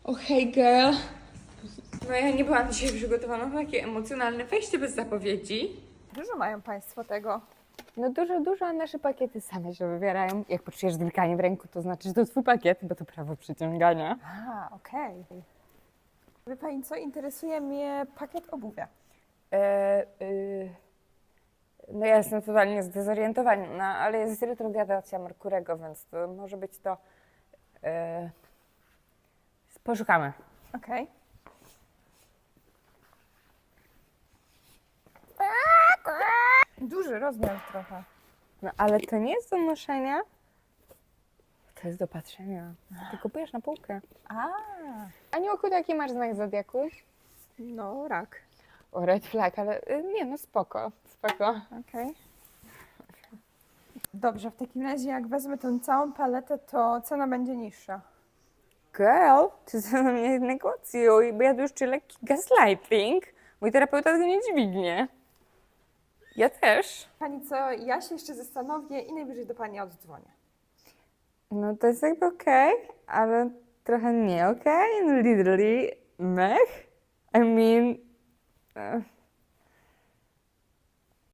O hej girl. No ja nie byłam dzisiaj przygotowana na takie emocjonalne wejście bez zapowiedzi. Dużo mają Państwo tego. No dużo, a nasze pakiety same się wybierają. Jak poczujesz drganie w ręku, to znaczy, że to twój pakiet, bo to prawo przyciągania. A, okej. Wie Pani co? Interesuje mnie pakiet obuwia. No ja jestem totalnie zdezorientowana, ale jest retrogradacja Merkurego, więc to może być to... Poszukamy. Okej. Duży rozmiar trochę. No ale to nie jest do noszenia. To jest do patrzenia. Ty kupujesz na półkę. A, Aniołku, jaki masz znak zodiaku? no rak. O, red flag, ale nie, no spoko. Okej. Dobrze, w takim razie jak wezmę tą całą paletę, to cena będzie niższa. Girl, ty ze mną nie negocjuj, bo ja tu już czuję lekki gaslighting. Mój terapeuta tego nie dźwignie. Ja też. Pani co, ja się jeszcze zastanowię i najwyżej do Pani oddzwonię. No to jest jakby okej, ale trochę nie okej. No literally, mech. I mean...